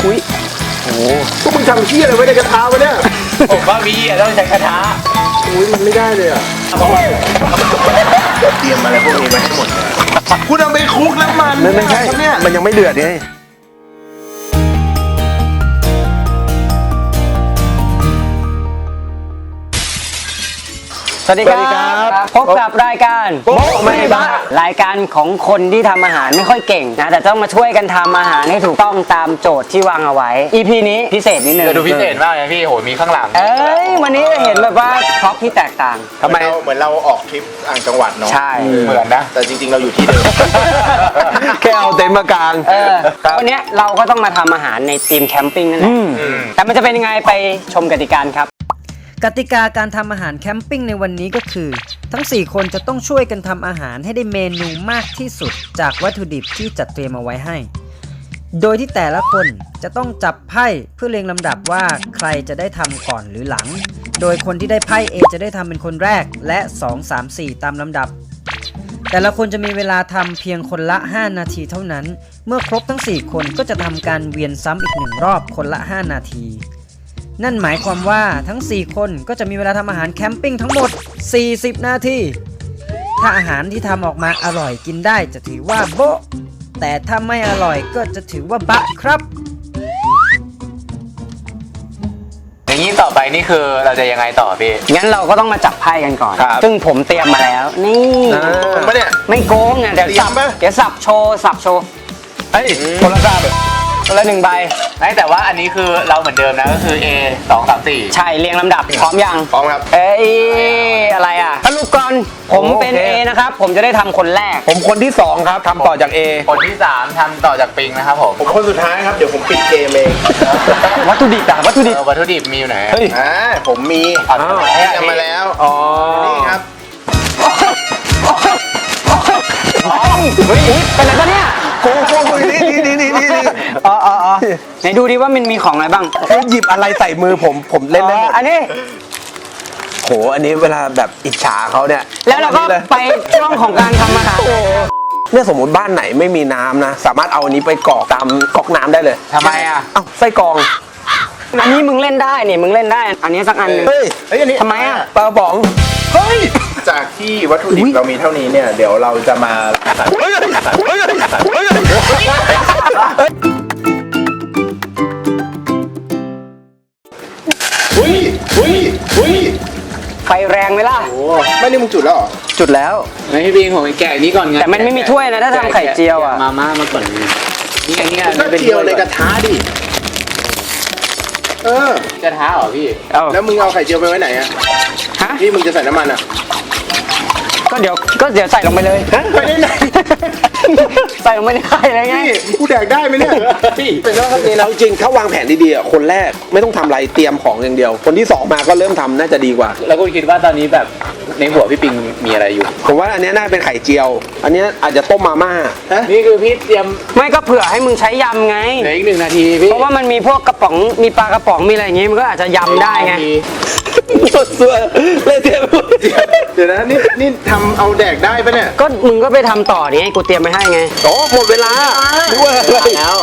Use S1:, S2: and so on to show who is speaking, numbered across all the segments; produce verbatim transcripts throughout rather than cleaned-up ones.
S1: อุ้ยโอ้
S2: พวกมึงทำเชี่ยอะไรไว้ในกระทะวะเนี่ย
S3: ผมว่าพี่ต้องใช้กระทะ
S2: อุ้ยมันไม่ได้เลยอ่ะเตรียมอะไรพวกนี้มาให้หมดเลยคุณเอาไปคลุกน้ำมัน
S1: ไม่ใช่มันยังไม่เดือดไง
S4: สวัสดีครับพบกับรายการโบ๊ะไม่บ้ารายการของคนที่ทำอาหารไม่ค่อยเก่งนะแต่ต้องมาช่วยกันทำอาหารให้ถูกต้องตามโจทย์ที่วางเอาไว้ อี พี นี้พิเศษนิดนึง
S3: ดูพิเศษมากเลยพี่โหมีข้างหลัง
S4: เอ้ยวันนี้จะเห็นแบบว่าพร็อพที่แตกต่าง
S2: ทำไมเหมือนเราออกทริปต่างจังหวัดเนาะ
S4: ใช่
S3: เหมือนนะ
S2: แต่จริงๆเราอยู่ที่เดิม
S1: แค่เอาเต็นท์มากาง
S4: เออวันนี้เราก็ต้องมาทำอาหารในทีมแคมปิ้งนั่นแหละแต่มันจะเป็นยังไงไปชมกติกาครับ
S5: กติกาการทำอาหารแคมปิ้งในวันนี้ก็คือทั้งสี่คนจะต้องช่วยกันทำอาหารให้ได้เมนูมากที่สุดจากวัตถุดิบที่จัดเตรียมเอาไว้ให้โดยที่แต่ละคนจะต้องจับไพ่เพื่อเรียงลำดับว่าใครจะได้ทำก่อนหรือหลังโดยคนที่ได้ไพ่ A จะได้ทำเป็นคนแรกและสอง สาม สี่ตามลำดับแต่ละคนจะมีเวลาทำเพียงคนละห้านาทีเท่านั้นเมื่อครบทั้งสี่คนก็จะทำการเวียนซ้ำอีกหนึ่งรอบคนละห้านาทีนั่นหมายความว่าทั้งสี่คนก็จะมีเวลาทำอาหารแคมปิ้งทั้งหมดสี่สิบนาทีถ้าอาหารที่ทำออกมาอร่อยกินได้จะถือว่าโบ๊ะแต่ถ้าไม่อร่อยก็จะถือว่าบะครับ
S3: อย่างนี้ต่อไปนี่คือเราจะยังไงต่อพี่
S4: งั้นเราก็ต้องมาจับไพ่กันก่อนซึ่งผมเตรียมมาแล้วนี่
S2: ไม่เนี่ย
S4: ไม่โกงอ่ะเดี๋ยวสับเดี๋ยวสับโชว์สับโชว์
S1: เฮ้ยคนละสับ
S4: คนละหนึ่งใบ
S3: แต่ว่าอันนี้คือเราเหมือนเดิมนะก็คือ A สอง สาม สี่
S4: ใช่เรียงลำดับพร้อมยัง
S2: พร้อมครับ
S4: เอ้ยอะไรอ่ะสรุปก่อนผมเป็น A นะครับผมจะได้ทำคนแรก
S1: ผมคนที่สองครับทำต่อจาก A
S3: คนที่สามทำต่อจากปิงนะครับผม
S2: ผมคนสุดท้ายครับเดี๋ยวผมปิดเกมเอง
S4: วัตถุดิบอะวัตถุดิบ
S3: วัตถุดิบมีอยู่ไหน
S1: เฮ้ย
S2: อ่าผมมีทำมาแล้ว
S1: อ๋อ
S2: นี่ครับ
S4: เฮ้ยเป็นอะไรปะเนี่ย
S1: โกโก้นี่นี่นี่นี่นี่
S4: อ๋ออ๋อไหนดูดิว่ามันมีของอะไรบ้าง
S1: หยิบอะไรใส่มือผมผมเล่นได้หมด
S4: อันนี้
S1: โหอันนี้เวลาแบบอิจฉาเขาเนี่ย
S4: แล้วเราก็ไปช่วงของการทำอาหาร
S1: เนี่ยสมมติบ้านไหนไม่มีน้ำนะสามารถเอาอันนี้ไปกรอกตามก๊อกน้ำได้เลย
S3: ทำไมอ่ะ
S1: เอ้าไส้กรอง
S4: อันนี้มึงเล่นได้นี่มึงเล่นได้อันนี้สักอันนึง
S1: เฮ้ย
S2: เฮ้ยอันนี้
S4: ทำไมอ่ะ
S1: ปลาป๋องเฮ้ย
S2: จากที่วัตถุดิบเรามีเท่านี้เนี่ยเดี๋ยวเราจะมาเฮ้ยเฮ้ยเฮ้ยอุ้ยอุ้ยอุ้ย
S4: ไฟแรงไหมล่ะ
S2: โอ้ไม่นี่มึงจุดแล้วเหรอ
S4: จุดแล้ว
S3: ไม่พี่บิงผมแกะนี้ก่อนไง
S4: แต่มันไม่มีถ้วยนะถ้าทำไข่เจียวอ่ะ
S3: มาม่ามาก่อนนี่ไงนี่ไง
S2: ก็เจียวในกระทะดิเอ
S3: อกระทะเหรอพี่
S2: แล้วมึงเอาไข่เจียวไปไว้ไหนอะ
S4: ฮะ
S2: พี่มึงจะใส่น้ำมันอะ
S4: ก็เดี๋ยวก็เดี๋ยวใส่ลงไปเลย
S2: ไปได้ไหน
S4: ใส่ลงไปในไข่เลยไง
S2: กูแดกได้ไหมเนี่ย
S1: เป็นเรื่องนี้นะจริงๆถ้าวางแผนดีๆอ่ะคนแรกไม่ต้องทำอะไรเตรียมของอย่างเดียวคนที่สองมาก็เริ่มทำน่าจะดีกว่า
S3: แล้วคุณคิดว่าตอนนี้แบบในหัวพี่ปิงมีอะไรอยู่
S1: ผมว่าอันนี้น่าเป็นไข่เจียวอันนี้อาจจะต้มมาม่า
S3: นี่คือพี่เตรียม
S4: ไม่ก็เผื่อให้มึงใช้ยำไง
S3: เหลืออีกหนึ่งนาทีพี่
S4: เพราะว่ามันมีพวกกระป๋องมีปลากระป๋องมีอะไรอย่างงี้มันก็อาจจะยำได้ไง
S1: สดสวยเลยเตรียม
S2: เดี๋ยวนะนี่นี่ทำเอาแดกได้ปะเนี่ย
S4: ก็มึงก็ไปทำต่อดิกูเตรียมไปให้ไง
S1: โอ้หมดเวลาด้วย
S4: แล้ว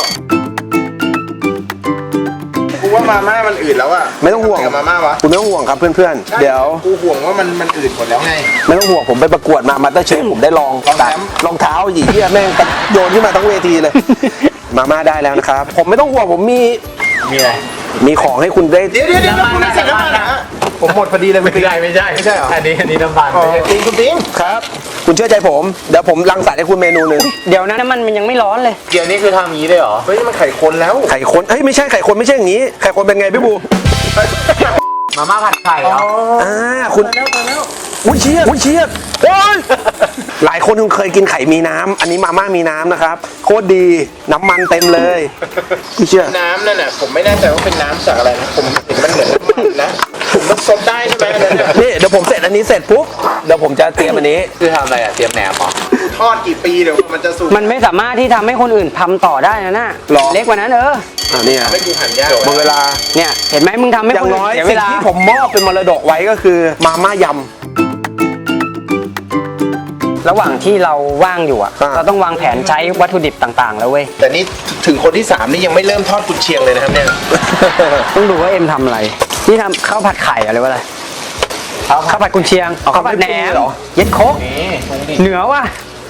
S2: กูว่ามาม่ามันอืดแล้วอะ
S1: ไม่ต้องห่วง
S2: มาม่าวะ
S1: คุณไม่ต้องห่วงครับเพื่อนๆเดี๋ยว
S2: กูห่วงว่ามันมันอืดหมดแล้วไง
S1: ไม่ต้องห่วงผมไปประกวดมามาสเตอร์เชฟผมได้ลองตัดรองเท้าหยีเหี้ยแม่งโยนขึ้นมาทั้งเวทีเลยมาม่าได้แล้วนะครับผมไม่ต้องห่วงผมมี
S3: มีอะไร
S1: มีของให้คุณได้
S2: เดี๋ยวเดี๋ยวเดี๋ยวคุณใส่น้ำมันนะผมหมดพอดีเลย
S3: ไม่ใช่ไม่ใช่
S2: ไม่ใช่หรอ
S3: อันนี้อันนี้น้ำมัน
S2: ปิงคุณปิง
S1: ครับคุณเชื่อใจผมเดี๋ยวผมรังสรรค์ให้คุณเมนูหนึ่ง
S4: เดี๋ยวนะน้ำมันมันยังไม่ร้อนเลย
S3: เดี๋ยวนี้คือทำอย่างนี้เลยเหรอ
S2: เฮ้ยมันไข่คนแล้ว
S1: ไข่คนเฮ้ยไม่ใช่ไข่คนไม่ใช่อย่างนี้ไข่คนเป็นไงพี่บู
S3: มาม่าผัดไข่เหรอ
S1: อ่าคุณอุ้ยเชียบอุ้ยเชียบโอ้ยหลายคนคงเคยกินไข่มีน้ำอันนี้มาม่ามีน้ำนะครับโคตรดีน้ำมันเต็มเลยพี่เชื่อ
S2: น้ำนั่นน่ะผมไม่แน่ใจว่าเป็นน้ำจากอะไรนะผมเห็นมันเหมือนน้ำมันนะผมมันซดได้ใช่ไหม
S1: นี่เดี๋ยวผมเสร็จอันนี้เสร็จปุ๊บเดี๋ยวผมจะเตรียมอันนี้
S3: คือทำอะไรอะเตรียมแหนมเหรอ
S2: ทอดกี่ปีเดี๋ยวมันจะสุก
S4: มันไม่สามารถที่ทำให้คนอื่นทำต่อได้นะน่ะเล็กกว่านั้นเออ
S1: อ่านี่
S2: ไม่กูหั่นยาก
S1: หมดเวลา
S4: เนี่ยเห็นไหมมึงทำให้คนอื่นเสียเวลา
S1: ที่ผมมอบเป็นมรดกไว้ก็คือมาม่ายำ
S4: ระหว่างที่เราว่างอยู่อ่ะ
S1: อ่า
S4: เราต้องวางแผนใช้วัตถุดิบต่างๆ แล้วเว้ย
S2: แต่นี่ถึงคนที่สามนี่ยังไม่เริ่มทอดกุนเชียงเลยนะครับเนี่ย
S4: ต้องดูว่าเอ็มทำอะไร นี่ทำข้าวผัดไข่อะไรวะอะไรข้าวผัดกุนเชียงข้าวผัดแหนมเย็ดโคกเหนือว่ะ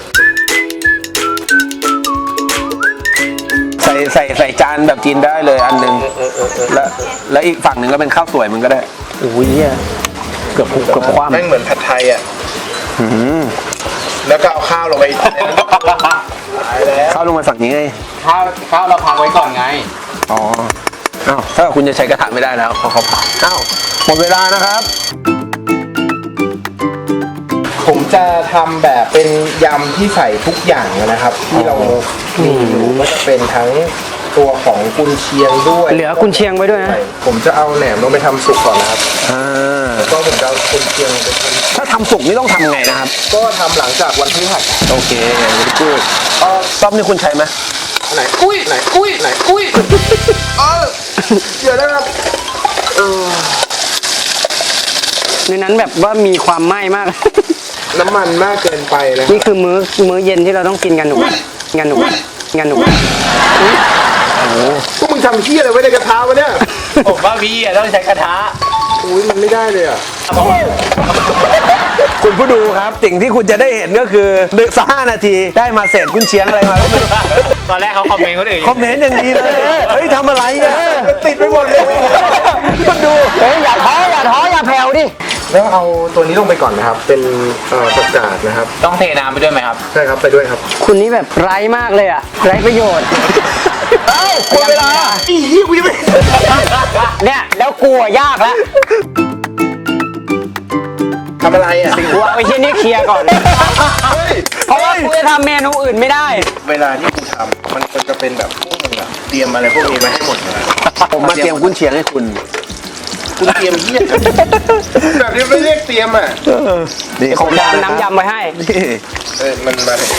S1: ใส่ใส่ใส่จานแบบกินได้เลยอันหนึ่งแล้วแล้วอีกฝั่งหนึ่งก็เป็นข้าวสวยมึงก็ได้
S4: โอ้ยเหี้ยเกือบเกือบคว่ำ
S2: แม่งเหมือนผัดไทยอ่ะ
S1: อืม
S2: แล้วก็เอาข้าวลงไปในนั้นตายแล้ว
S1: ข้าวลงมาฝั่งนี้ไง
S3: ข้าวข้าวเราพักไว้ก่อนไง
S1: อ๋ออ้าวถ้าคุณจะใช้กระถางไม่ได้แล้วเพราะเขาผ่าอ้าวหมดเวลานะครับ
S2: ผมจะทำแบบเป็นยำที่ใส่ทุกอย่างนะครับ ที่เรามีอยู่ก็จะเป็นทั้งตัวของกุนเชียงด้วย
S4: เหลือกุนเชียงไว้ด้วยนะ
S2: ผมจะเอาแหนมลงไปทำสุกก่อนนะครับ
S1: อ่า
S2: ก็ผมจะเอากุนเชียงไปท
S1: ถ้าทำสุกนี่ต้องทำไงนะครับ
S2: ำก็ทำหลังจากวันพฤหัส
S1: โอเคกูดซ่อมนี่คุณใช้ไหม
S2: ไหนอุ้ยไหนอุ้ยไหนอุ้ยเออเดี๋ยวนะครับ
S4: ในนั้นแบบว่ามีความไหม้มาก
S2: น้ำมันมากเกินไปนะ
S4: นี่คือมื้อมื้อเย็นที่เราต้องกินกันหนูกันหนูกันหนู
S2: พวกมึงทำเที่ยอะไรไว้ในกระทะวะเนี่ย
S3: ผมว่าพี่อะต้องใช้กระทะ
S2: อุ้ยมันไม่ได้เลยอ่ะ
S1: คุณผู้ดูครับสิ่งที่คุณจะได้เห็นก็คือหนึ่งสักห้านาทีได้มาเศษกุนเชียงอะไรมาก็ไม่รู้
S3: ตอนแรกเขาคอมเมนต์คนอื่น
S1: คอมเมนต์อย่างดีเลยเฮ้ยทำอะไรเนี่ยติดไปหมดเลยคุณดู
S4: เฮ้ยอย่าท้ออย่าท้ออย่าแผ่วดิ
S2: แล้วเอาตัวนี้ลงไปก่อนนะครับ เป็นเอ่อผักกาดนะครับ
S3: ต้องเทน้ำไปด้วยไหมครับ
S2: ใช่ครับไปด้วยครับ
S4: คุณนี่แบบไร้มากเลยอะไร้ประโยชน์
S1: เอ้าหมดเวลา
S2: อียี่กูยังไม่
S4: เนี่ยแล้วกลัวยากแล้ว
S2: ทำอะไรอ่ะ
S4: กูเอาไอ้ที่นี่เคลียร์ก่อน เพราะว่ากูจะทำเมนูอื่นไม่ได้
S2: เวลาที่กูทำมันควรจะเป็นแบบพวกมึงอะเตรียมอะไรพวกนี้มาให้หมดเลย
S1: ผมมาเตรียมกุนเชียงให้คุณ
S2: คุณเตรียมเยี่ยแบบนี้ไม่เรียกเตรียมอ่ะ
S1: นี่ของยา
S4: น้ำยำไว้ให้
S1: นี่
S2: เออมันมาถึง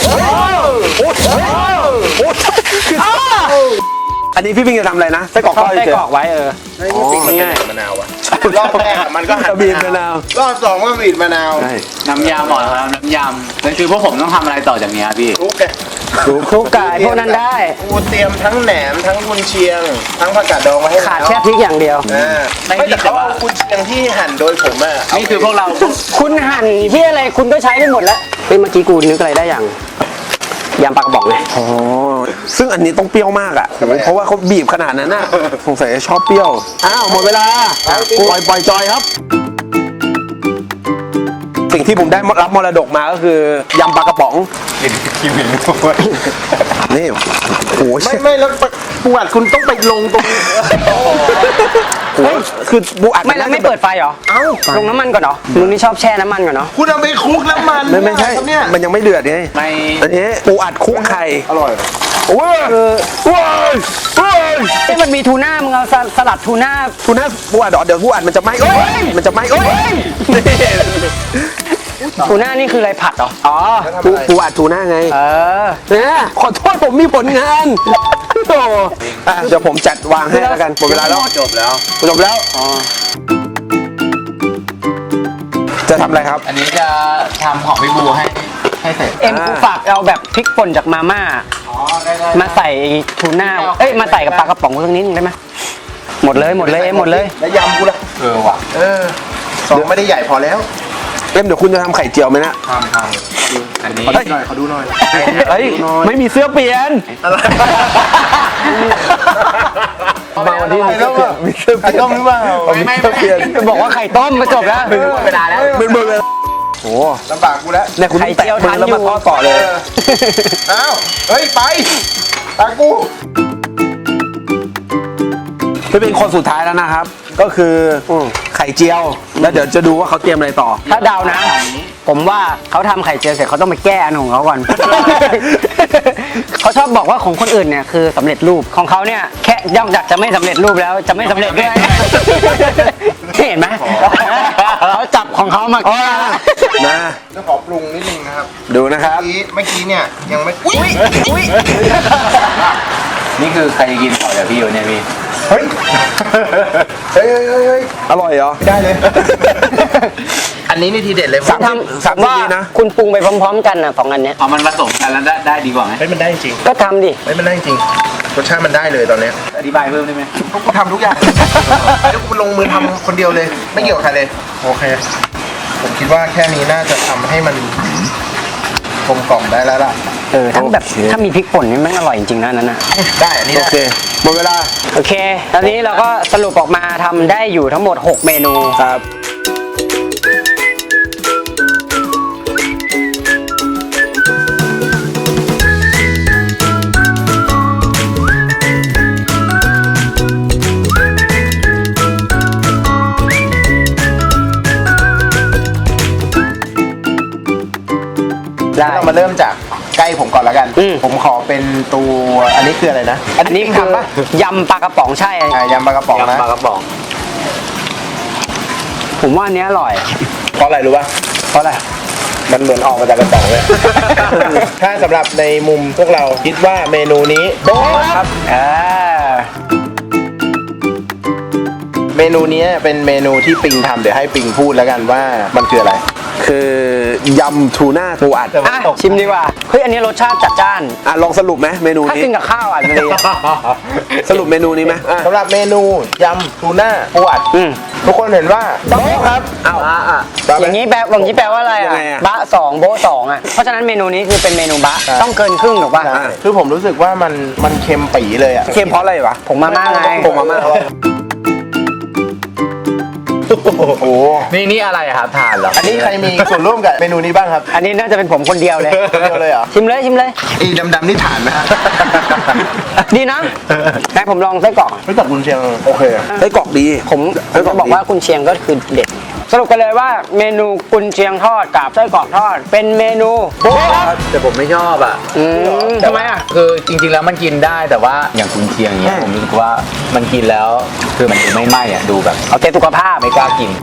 S1: อันนี้พี่พิงจะทำอะไรนะไส้กรอกทอด
S4: ไส้
S1: เฉย
S4: กรอกไว้เออ
S2: ไอ้นี่ปิดมันเป็นมะนาวอ่ะรอบแรกอะมันก็หั่น
S1: บีบมะนาว
S2: รอบสองก็บีบมะนาว
S1: ใช่
S3: น้ำยำเหรอครับน้ำยำนั่นคือพวกผมต้องทำอะไรต่อจากเนี้ยพี่
S2: ทุกแก
S4: คลุกไก่พวกนั้นได้
S2: กูเตรียมทั้งแหนมทั้งกุนเชียง ทั้งผักกาดดองมาให้
S4: ขาดแค่พริกอย่างเดียว
S2: อ่าไม่แต่เขาเอากุนเชียงที่หั่นโดยผมอ่ะ
S3: นี่คือพวกเรา
S4: คุณหั่นที่อะไรคุณก็ใช้ได้หมดแล้วเฮ้ยเมื่อกี้กูนึกอะไรได้อย่างยำปลากระบอกไง
S1: อ๋อซึ่งอันนี้ต้องเปรี้ยวมากอ่ะเพราะว่าเขาบีบขนาดนั้นน่ะสงสัยจะชอบเปรี้ยวอ้าวหมดเวลาปล่อยปล่อยจอยครับ สิ่งที่ผมได้รับมรดกมาก็คือยำปลากระป๋องนี่โอ้โห
S2: ไม่ไม่แล้วปวดคุณต้องไปลงตรง
S1: โอ้โหคือบูอัด
S4: ไม่แล้วไม่เปิดไฟเหรอ
S2: เอ้า
S4: ลงน้ำมันก่อนเหรอมึงนี่ชอบแช่น้ำมันก่อนเนาะ
S2: คุณเอาไปคลุกน้ำมัน
S1: ไม่ไม่ใช่
S2: ครับเนี่ย
S1: มันยังไม่เดือดไง
S3: ไม่
S1: อันนี้ปูอัดคลุกไข่
S2: อร่อย
S1: โอ้ยโอ้ยโอ้ย
S4: เอ้ยมันมีทูน่ามึงเอาสสลัดทูน่า
S1: คุณน่าปูอัดเหรอเดี๋ยวปูอัดมันจะไหม้โอ้ยมันจะไหม้โอ้ยนี่
S4: ทูน่านี่คืออะไรผัดเหรออ๋อ
S1: ปูปูอัดทูน่าไง
S4: เออ
S1: เนี่ยขอโทษผมมีผลงานโอ้อ่ะเดี๋ยวผมจัดวางให้แล้วกันหมดเวลาแล้ว
S3: จบแล้ว
S1: จบแล้วอ๋อจะทำอะไรครับ
S3: อันนี้จะทำของพี่บูให้ให้เสร็จ
S4: เอ็มกูฝากเอาแบบพริกป่นจากมาม่า
S3: อ๋อได้ได้
S4: มาใส่ทูน่าเอ้ยมาใส่กับปลากระป๋องสักนิดนึงได้ไหมหมดเลยหมดเลยเอ็มหมดเลย
S2: แล้วยำกูล่ะ
S3: เออว่ะ
S2: เออสองไม่ได้ใหญ่พอแล้ว
S1: เอ็มเดี๋ยวคุณจะทำไข่เจียวไหมนะ
S3: ทำทำอันนี้
S2: ขอดูหน่อยขอดูหน่อย
S1: เฮ้ยไม่มีเสื้อเปลี่ยน
S2: อะไร
S1: มาวันที่มีเสื้อเปลี่ยนมีเสื้อเป
S2: ไข่
S1: ลี่ยน
S2: ต้มหรือเปล่า
S1: มีเสื้อเปลี่ยน
S4: บอกว่าไข่ต้มมาจบแล้ว
S3: เวลาแล้ว
S1: เป็นเบอร์เลยโอ้
S2: ลำบากกูแล้ว
S1: เนี่ยคุณต้องแตะมือแล้วมาทอดต่อเลย
S2: อ้าวเฮ้ยไปตากู
S1: จะเป็นคนสุดท้ายแล้วนะครับ ก็คืออไข่เจียว แล้วเดี๋ยวจะดูว่าเขาเตรียมอะไรต่อ
S4: ถ้าเดานะ ผมว่าเขาทำไข่เจียวเสร็จเขาต้องไปแก้อันของเขาก่อน เขาชอบบอกว่าของคนอื่นเนี่ยคือสำเร็จรูปของเขาเนี่ยแค่ย่อมจากจะไม่สำเร็จรูปแล้วจะไม่สำเร็จด้วย เห็นไหมเขาจับของเขามาแก้
S1: นะ
S2: จะขอปรุงนิดนึงนะครับ
S1: ดูนะครับ
S2: เมื่อกี้เมื่อกี้เนี่ยยังไม่อุ้ยอุ้ย
S3: นี่คือใครจะกินต่อจากพี่อยู่เนี่ยพี่
S2: เฮ้ยเฮ้ยเฮ้ยเฮ้ย
S1: อร่อยเหรอ
S2: ได้เลย
S3: อัน
S2: นนี้นี่ทีเด็ดเลย
S1: สามสิบสามสิบ
S4: ว่า
S1: วินะ
S4: คุณปรุงไปพร้อมๆกันนะสองอันเนี้ย
S3: เอามันผสมกันแล้วได้ได้ดีกว่าไหม
S2: เฮ้ยมันได้จริง
S4: ก็ทำดิ
S2: เฮ้ยมันได้จริงรสชาติมันได้เลยตอนเนี้ย
S3: อธิบายเพิ่มได้ไหม
S2: พวกกูทำทุกอย่างแล้วกูลงมือทำคนเดียวเลย ไม่เกี่ยวกับใครเลย โอเค ผมคิดว่าแค่นี้น่าจะทำให้มันกลมกล่อมได้แล้วล่ะ
S4: เออทั้งแบบถ้ามีพริกป่นนี่แม่งอร่อยจริงๆนะอันนั้นนะ
S2: ได้อันนี้
S1: โอ
S2: ได้
S1: เคหมดเวลา
S4: โอเค ตอนนี้เราก็สรุปออกมาทำได้อยู่ทั้งหมด หก เมนู
S1: ครับ
S4: ได้
S2: เรามาเริ่มจากใกล้ผมก่อนแล้วกัน
S4: อืม
S2: ผมขอเป็นตัวอันนี้คืออะไรนะ
S4: อันนี้คือ
S2: ทำปะ
S4: ยำปลากระป๋องใช่
S2: อ่ายำปลากระป๋องนะ
S3: ยำปลากระป๋อง
S4: ผมว่าอันเนี้ยอร่อย
S2: เพราะอะไรรู้ป่ะ
S4: เพราะอะไร
S2: มันเหมือนออกมาจากกระป๋องเลย ถ้าสำหรับในมุมพวกเราคิดว่าเมนูนี้โบ๊ะครับ
S4: อ่า
S2: เมนูนี้เป็นเมนูที่ปิงทำเดี๋ยวให้ปิงพูดแล้วกันว่ามันคืออะไร
S1: คือยำทูน่าปูอัด
S4: อ่ะชิมดีกว่า เฮ้ย อันนี้รสชาติจัดจ้าน
S1: อ่ะลองสรุปไหมเมนู
S4: ถ้า
S1: นี้
S4: กินกับข้าวอ่ะมันดี
S1: สรุปเมนูนี้ไหมอ่ะ
S2: สำหรับเมนูยำทูน่าปูอัด
S4: อืม
S2: ทุกคนเห็นว่าโบ๊ะครับ
S1: อ้าวอ่ะ
S4: อย่างนี้แปลอย่างนี้แปลว่าอะไร
S1: ยั
S4: อ่ะ
S1: งไงอะ
S4: บะสองโบะสองอ่ะ เพราะฉะนั้นเมนูนี้คือเป็นเมนูบะ
S2: ใช่
S4: ต้องเกินครึ่งถูกป่ะ
S2: ใช่คือผมรู้สึกว่ามันมันเค็มปีเลยอ่ะ
S1: เค็มเพราะอะไรวะ
S4: ผมมาม่าไง
S1: ผมมาม่า
S2: โอ้โห
S3: นี่นี่อะไรอะครับทานเหรอ
S2: อันนี้ใครมีส่วนร่วมกับเมนูนี้บ้างครับ
S4: อันนี้น่าจะเป็นผมคนเดียวเลย
S2: คนเดียวเลยเหรอ
S4: ชิมเลยชิมเลย
S2: อีดำๆนี่ฐานนะฮะ
S4: ดีนะแต่ผมลองไส้กรอก
S2: ไม่ตัดกุนเชียงโอเค
S1: ไส้กรอกดี
S4: ผมผมจะบอกว่ากุนเชียงก็คือเด็ด สรุปกันเลยว่าเมนูกุนเชียงทอดกับไส้กรอกทอด เป็นเมนูโบ๊ะครับ
S3: แต่ผมไม่ชอบอ่ะ
S4: อืมทำไมอ่ะ
S3: คือจริงๆแล้วมันกินได้แต่ว่าอย่างคุณเชียงอย่างเงี้ยผมรู้สึกว่ามันกินแล้วคือมันดูไม่ไหม้อ่ะดูแบบ
S4: เอาเตะสุขภาพ
S3: ไม่กล้ากิน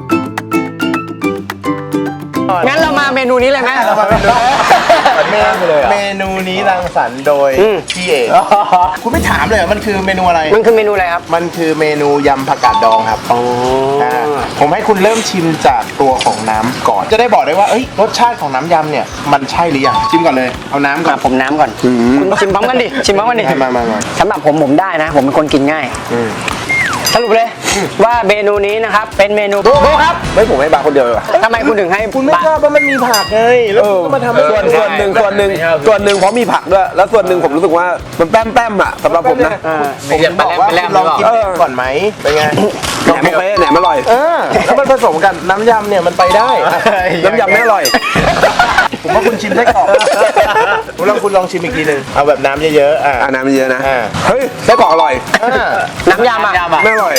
S4: งั้นเรามาเมนูนี้เลยไหม
S2: เรามาเมนูเมนูเมนูนี้รังสรรค์โดย
S4: อืม
S2: พี่เอกคุณไม่ถามเลยเหรอมันคือเมนูอะไร
S4: มันคือเมนูอะไรครับ
S2: มันคือเมนูยำผักกาดดองครับ
S4: อ๋อ
S2: าผมให้คุณเริ่มชิมจากตัวของน้ำก่อน จะได้บอกได้ว่าเอ้ยรสชาติของน้ำยำเนี่ยมันใช่หรือยังชิมก่อนเลยเอาน้ำก่อ
S4: มาน ผมน้ำก่อน คุณชิมพร้อมกันดิ ชิมพร้อมกันดิ
S2: มามามา
S4: สำหรับผมผมได้นะ ผมเป็นคนกินง่าย
S2: อืม
S4: สรุปเลยว่าเมนูนี้นะครับ เป็นเมนูโบ๊ะครับ
S1: ไม่ผมให้บาร์คนเดียวเลยว่ะ
S4: ทำไมคุณถึงให้
S2: คุณไม่
S4: บะ
S2: ชอบว่ามันมีผักไงแล้วคุณก็มาทำให้
S1: ส่วน
S2: ใช่
S1: ส่วนหนึ่งส่วนหนึ่งส่วนหนึ่งเพราะมีผักด้วย แล้วส่วนหนึ่งผมรู้สึกว่ามันแป้มแป้มๆอ่ะสำหรับผมนะ
S4: อ่า
S2: ผมถึงบอกว่าคุณลองกิน
S1: เออ
S2: ก่อนไหมเป็นไง
S1: แหนมโอเคแหนมอร่อย
S2: เออแล้วมันผสมกันน้ำยำเนี่ยมันไปได้
S1: น้ำยำไม่อร่อย
S2: ผมว่าคุณชิมได้ก่อนผมลองคุณลองชิมอีกทีหนึ่งเอาแบบน้ำเยอะๆอ่ะ
S1: อ่าน้ำเยอะนะ
S2: อ่า
S1: เฮ้ยไส้กรอกอร่อย
S2: อ่า
S4: น้ำยำอ่ะ
S3: น้ำยำอะ
S1: ไม่อร่อย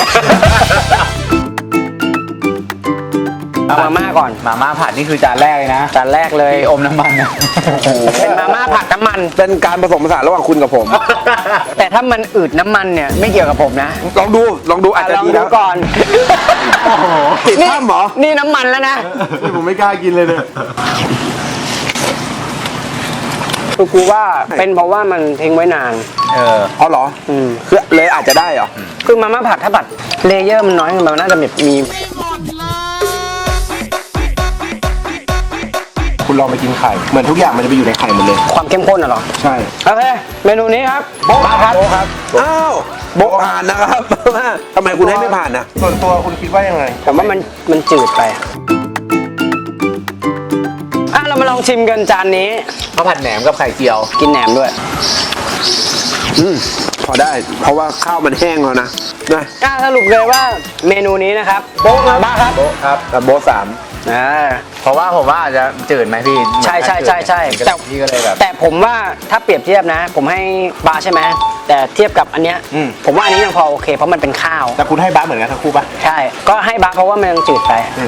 S4: เอามาม่าก่อน
S3: มาม่าผัดนี่คือจานแรกเลยนะ
S4: จานแรกเลย
S3: ที่อมน้ำมันนะ
S4: เป็นมาม่าผัดน้ำมัน
S1: เป็นการผสมผสานระหว่างคุณกับผม
S4: แต่ถ้ามันอืดน้ำมันเนี่ยไม่เกี่ยวกับผมนะ
S1: ลองดูลองดูอาจจะ
S4: ลอง
S1: ดี
S4: ดู
S1: นะ
S4: ก่อน
S1: โอ้โหติดถ้ำเหรอ
S4: นี่น้ำมันแล้วนะ
S2: ผมไม่กล้ากินเลยเนี่ย
S4: คือกูว่าเป็นเพราะว่ามันทิ้งไว้นาน
S3: เออ
S1: อ๋อเหรอ
S4: อืม
S1: คือเลยอาจจะได้เหรอ
S4: คือมาม่าผัดถ้าผัดเลเยอร์มันน้อยมันน่าจะแบบมี
S2: คุณลองไปกินไข่เหมือนทุกอย่างมันจะไปอยู่ในไข่หมดเลย
S4: ความเข้มข้นอ่ะเหรอ
S2: ใช่
S4: โอเค เมนูนี้ครับโบ๊ะครับ
S2: โอ้ครับ
S1: อ้าวโบะผ่านนะครับ ทำไมคุณให้ไม่ผ่านนะ
S2: ส่วนตัวคุณคิดว่ายังไง
S4: ผมว่ามันมันจืดไปอ่ะเรามาลองชิมกันจานนี้
S3: ข้าวผัดแหนมกับไข่เจียว
S4: กินแหนมด้วย
S1: อืมพอได้ เพราะว่าข้าวมันแห้งแล้วนะนะ
S4: อ่ะสรุปเลยว่าเมนูนี้นะครับโบ๊ะครับบ้าครับ
S3: โบ๊ะครับ
S1: กับโบะสาม
S4: อ่า
S3: เพราะว่าผมว่าอาจจะจืดไหมพี่
S4: ใช่ใช่ใช่ใช่
S3: แต่พี่ก็เลยแบบ
S4: แต่ผมว่าถ้าเปรียบเทียบนะ ผมให้บาร์ใช่ไหมแต่เทียบกับอันเนี้ยผมว่าอันนี้ยังพอโอเค เพราะมันเป็นข้าว
S2: แต่คุณให้บ้าเหมือนกันทั้งคู่ปะ
S4: ใช่ ก็ให้บาร์เพราะว่ามันยังจืดไป
S2: อืม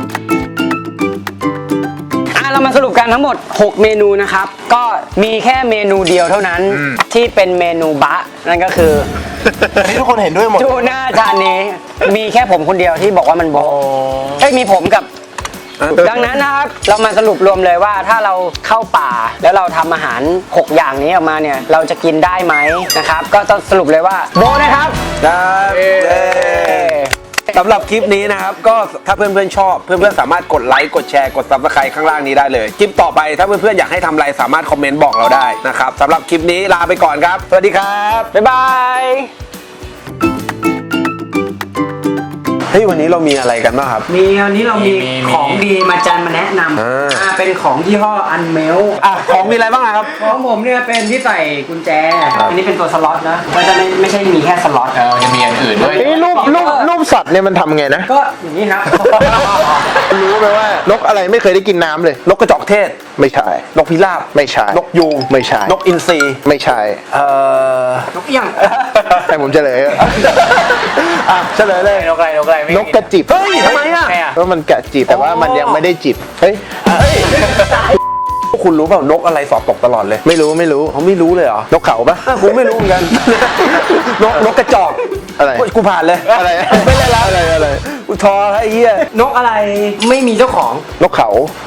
S4: อ่ะเรามาสรุปกันทั้งหมด หก เมนูนะครับ ก็มีแค่เมนูเดียวเท่านั้นที่เป็นเมนูบะนั่นก็คือ
S2: อันนี้ทุกคนเห็นด้วยหมด
S4: ทูน่าจานนี้ มีแค่ผมคนเดียวที่บอกว่ามันโบะเอ้ยมีผมกับ ดังนั้นนะครับ เรามาสรุปรวมเลยว่าถ้าเราเข้าป่าแล้วเราทำอาหาร หก อย่างนี้ออกมาเนี่ย เราจะกินได้ไหมนะครับ ก็ต้องสรุปเลยว่าโบะนะครับ
S1: ครับเย้
S4: โอเค
S1: สำหรับคลิปนี้นะครับก็ถ้าเพื่อนๆชอบเพื่อนๆสามารถกดไลค์กดแชร์กด ซับสไครบ์ ข้างล่างนี้ได้เลยคลิปต่อไปถ้าเพื่อนๆอยากให้ทำอะไรสามารถคอมเมนต์บอกเราได้นะครับสำหรับคลิปนี้ลาไปก่อนครับสวัสดีครับ
S4: บ๊ายบาย
S1: เฮ้ยวันนี้เรามีอะไรกันบ้างครับ
S4: มีวันนี้เรามี
S3: มีมี
S4: ของดีมาจันมาแนะนำ
S1: อ่า
S4: อ่าเป็นของยี่ห้ออันเมล
S1: อ่ะของมีอะไรบ้างอะครับ
S4: ของผมเนี่ยเป็นที่ใส่กุญแจ อันนี้เป็นตัวสล็อตนะก็จะไม่ไม่ใช่มีแค่สล็อต
S3: เออยังมีอันอื่นด้วย
S2: นี่รูปรูปรูปสัตว์เนี่ยมันทำไงนะ
S4: ก็อย่างนี้ครับ
S2: รู้ไหมว่านกอะไรไม่เคยได้กินน้ำเลย
S1: นกกระจอกเทศ
S2: ไม่ใช่
S1: นกพิราบ
S2: ไม่ใช่
S1: นกยูง
S2: ไม่ใช่
S1: นกอินทรี
S2: ไม่ใช่
S1: เอ่อน
S4: กเอี้ยง
S2: ให้ผมเฉลยอะอ่ะเฉลยเลย
S3: นกอะไรนกอะไรไม่
S2: นกกระจิบ
S1: เฮ้ยทำไมอ่ะ
S3: ใช่อะ
S2: เพราะมันกระจิบแต่ว่ามันยังไม่ได้จิบเฮ้ย
S1: พวกคุณรู้เปล่านกอะไรสอบตกตลอดเลย
S2: ไม่รู้ไม่รู้
S1: เขาไม่รู้เลยเหรอน
S2: กเขาปะ
S1: อ่ะผมไม่รู้เหมือนกัน นกนกกระจอก
S2: อะไร
S1: กูผ่านเลย
S2: อะไร
S1: ไม่ได้รับ
S2: อะไรอะไร
S1: กูทอไอ้เหี้ย
S4: นกอะไรไม่มีเจ้าของ
S2: นกเขา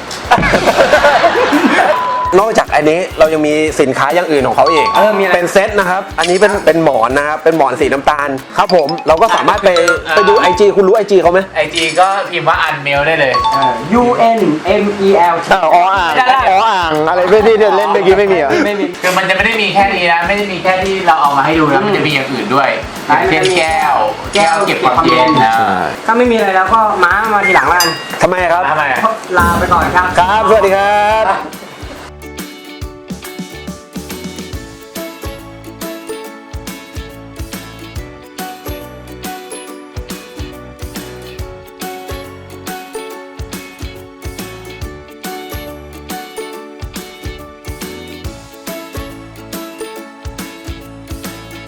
S1: นอกจากอันนี้เรายังมีสินค้าอย่างอื่นของเขาอีก
S4: เออมีอะไร
S1: เป็นเซตนะครับ อันนี้เป็นเป็นหมอนนะครับ เป็นหมอนสีน้ำตาล ครับผม เราก็สามารถไปไปดู ไอ จี คุณรู้ ไอ จี เขาไหม
S3: ไอจีก็พิมพ์ว่าอันเมลได้เลย
S4: U N M E L T
S2: อ้าวอ๋ออ่าง
S4: ได้ได้
S2: อ๋ออ่างอะไรไม่ที่เล่นเมื่อกี้ไม่มีเหรอ
S4: ไม่มี
S3: คือมันจะไม่ได้มีแค่นี้นะ ไม่ได้มีแค่ที่เราเอามาให้ดูนะ มันจะมีอย่างอื่นด้วย
S4: ไหน
S3: เช่นแก้ว
S4: แก้ว
S3: เก็บความเย็นนะ
S4: ถ้าไม่มีอะไรแล้วก็ม้ามาทีหลังแล้วกัน
S1: ทำไมครับ
S3: ทำไม
S4: ลาไปก่อนครับ
S1: ครับ สวัสดีครับ